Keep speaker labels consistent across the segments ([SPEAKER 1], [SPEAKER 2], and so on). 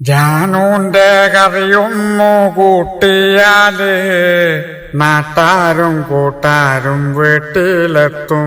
[SPEAKER 1] ജാനൂന്റെ കറിയൊന്നു കൂട്ടിയാല് നാട്ടാരും കൂട്ടാരും വീട്ടിലെത്തും.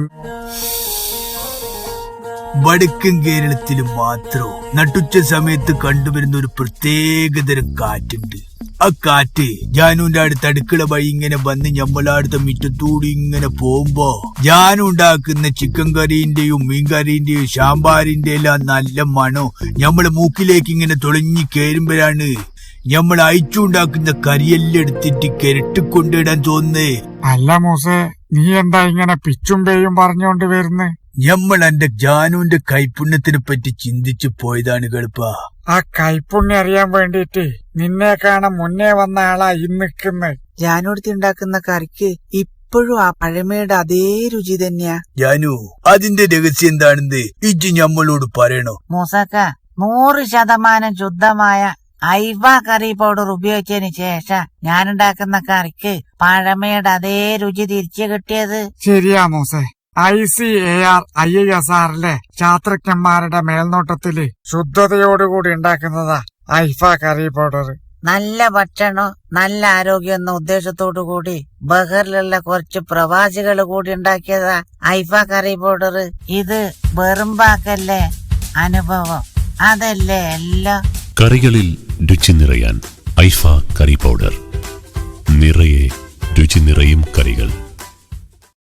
[SPEAKER 2] വടക്കൻ കേരളത്തിൽ മാത്രം നട്ടുച്ച സമയത്ത് കണ്ടുവരുന്ന ഒരു പ്രത്യേകതരം കാറ്റുണ്ട്. ആ കാറ്റ് ജാനുവിന്റെ അടുത്ത് അടുക്കള വഴി ഇങ്ങനെ വന്ന് ഞമ്മളടുത്ത മുറ്റത്തൂടി ഇങ്ങനെ പോകുമ്പോ ജാനു ഉണ്ടാക്കുന്ന ചിക്കൻ കറിന്റെയും മീൻകറിന്റെയും സാമ്പാറിന്റെ എല്ലാം നല്ല മണോ ഞമ്മളെ മൂക്കിലേക്ക് ഇങ്ങനെ തുളഞ്ഞി കയറുമ്പോഴാണ് ഞമ്മൾ അയച്ചുണ്ടാക്കുന്ന കറിയെല്ലാം എടുത്തിട്ട് കിരട്ടിക്കൊണ്ടിടാൻ തോന്നുന്നേ.
[SPEAKER 1] അല്ല മൂസേ, നീ എന്താ ഇങ്ങനെ പിച്ചും പേയും പറഞ്ഞോണ്ട് വരുന്നേ?
[SPEAKER 2] ഞമ്മൾ എന്റെ ജാനുവിന്റെ കൈപുണ്യത്തിനെ പറ്റി ചിന്തിച്ചു പോയതാണ് കളിപ്പ.
[SPEAKER 1] ആ കൈപുണ്യം അറിയാൻ വേണ്ടിട്ട് നിന്നെ കാണാൻ മുന്നേ വന്ന ആളാ ഇന്നിക്കുന്നത്.
[SPEAKER 3] ജാനുടുത്തി ഉണ്ടാക്കുന്ന കറിക്ക് ഇപ്പോഴും ആ പഴമയുടെ അതേ രുചി തന്നെയാ.
[SPEAKER 2] ജാനു, അതിന്റെ രഹസ്യം എന്താണെന്ന് ഇജ്ജ് ഞമ്മളോട് പറയണോ?
[SPEAKER 3] മൂസക്ക, 100% ശുദ്ധമായ ഐവ കറി പൗഡർ ഉപയോഗിച്ചതിന് ശേഷം ഞാനുണ്ടാക്കുന്ന കറിക്ക് പഴമയുടെ അതേ രുചി തിരിച്ചു കിട്ടിയത്.
[SPEAKER 1] ശരിയാ മൂസേ, ICAR IASRലെ ശാസ്ത്രജ്ഞന്മാരുടെ മേൽനോട്ടത്തില് ശുദ്ധതയോടുകൂടി ഉണ്ടാക്കുന്നതാ ഐഫ കറി പൗഡർ.
[SPEAKER 3] നല്ല ഭക്ഷണം നല്ല ആരോഗ്യം എന്ന ഉദ്ദേശത്തോടു കൂടി ബഹറിലുള്ള കുറച്ച് പ്രവാസികൾ കൂടി ഉണ്ടാക്കിയതാ ഐഫ കറി പൗഡർ. ഇത് വെറും വാക്കല്ലേ, അനുഭവം. അതല്ലേ എല്ലാം.
[SPEAKER 4] കറികളിൽ രുചി നിറയാൻ ഐഫ കറി പൗഡർ. നിറയെ രുചി നിറയും കറികൾ.